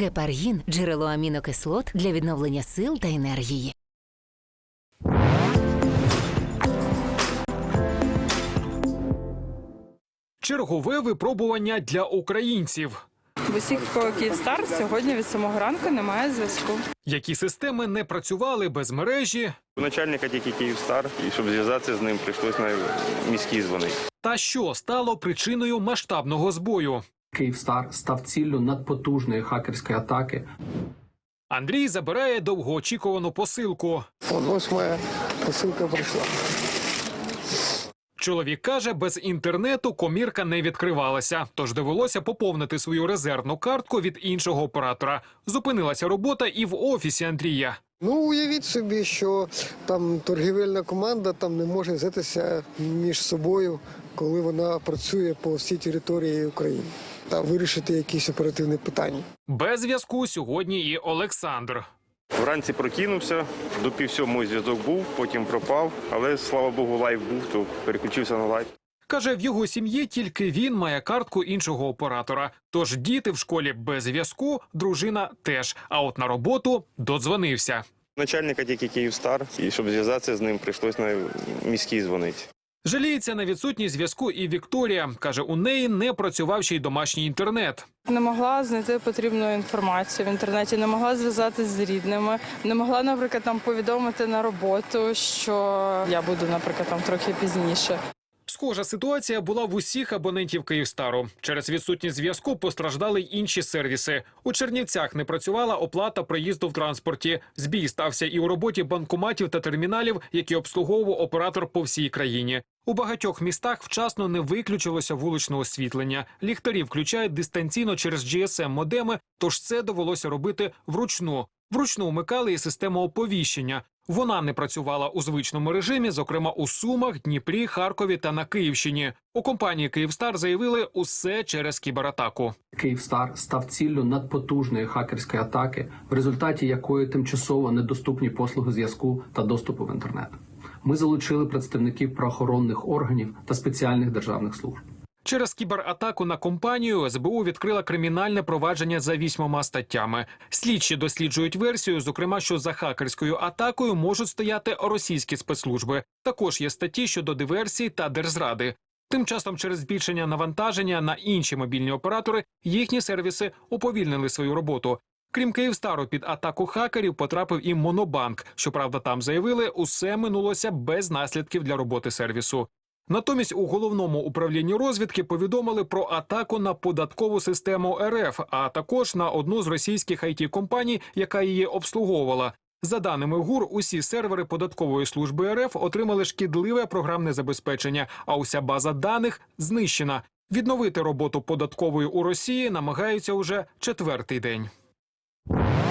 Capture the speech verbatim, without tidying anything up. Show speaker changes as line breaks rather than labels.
Гепаргін – джерело амінокислот для відновлення сил та енергії.
Чергове випробування для українців.
В усіх, в кого Київстар, сьогодні від самого ранку немає зв'язку.
Які системи не працювали без мережі.
У начальника тільки Київстар, і щоб зв'язатися з ним, прийшлось на міський дзвонити.
Та що стало причиною масштабного збою?
Київстар став ціллю надпотужної хакерської атаки.
Андрій забирає довгоочікувану посилку.
Ось моя посилка прийшла.
Чоловік каже, без інтернету комірка не відкривалася, тож довелося поповнити свою резервну картку від іншого оператора. Зупинилася робота і в офісі Андрія.
Ну, уявіть собі, що там торгівельна команда там не може взятися між собою, коли вона працює по всій території України та вирішити якісь оперативні питання.
Без зв'язку сьогодні і Олександр.
Вранці прокинувся, до пів сьомої зв'язок був, потім пропав, але, слава Богу, лайв був, то переключився на лайв.
Каже, в його сім'ї тільки він має картку іншого оператора. Тож діти в школі без зв'язку, дружина теж. А от на роботу додзвонився.
Начальника тільки Київстар, і щоб зв'язатися з ним, прийшлось на міський дзвонити.
Жаліється на відсутність зв'язку і Вікторія. Каже, у неї не працював ще й домашній інтернет.
Не могла знайти потрібну інформацію в інтернеті, не могла зв'язатися з рідними, не могла, наприклад, там повідомити на роботу, що я буду, наприклад, там трохи пізніше.
Схожа ситуація була в усіх абонентів Київстару. Через відсутність зв'язку постраждали й інші сервіси. У Чернівцях не працювала оплата проїзду в транспорті. Збій стався і у роботі банкоматів та терміналів, які обслуговував оператор по всій країні. У багатьох містах вчасно не виключилося вуличне освітлення. Ліхтарі включають дистанційно через джі ес ем-модеми, тож це довелося робити вручну. Вручну вмикали і систему оповіщення. Вона не працювала у звичному режимі, зокрема у Сумах, Дніпрі, Харкові та на Київщині. У компанії «Київстар» заявили – усе через кібератаку.
Київстар став ціллю надпотужної хакерської атаки, в результаті якої тимчасово недоступні послуги зв'язку та доступу в інтернет. Ми залучили представників правоохоронних органів та спеціальних державних служб.
Через кібератаку на компанію ес бе у відкрила кримінальне провадження за вісьмома статтями. Слідчі досліджують версію, зокрема, що за хакерською атакою можуть стояти російські спецслужби. Також є статті щодо диверсії та держзради. Тим часом через збільшення навантаження на інші мобільні оператори їхні сервіси уповільнили свою роботу. Крім Київстару, під атаку хакерів потрапив і Монобанк. Щоправда, там заявили, усе минулося без наслідків для роботи сервісу. Натомість у Головному управлінні розвідки повідомили про атаку на податкову систему ер еф, а також на одну з російських ай ті-компаній, яка її обслуговувала. За даними ГУР, усі сервери податкової служби ер еф отримали шкідливе програмне забезпечення, а уся база даних знищена. Відновити роботу податкової у Росії намагаються уже четвертий день.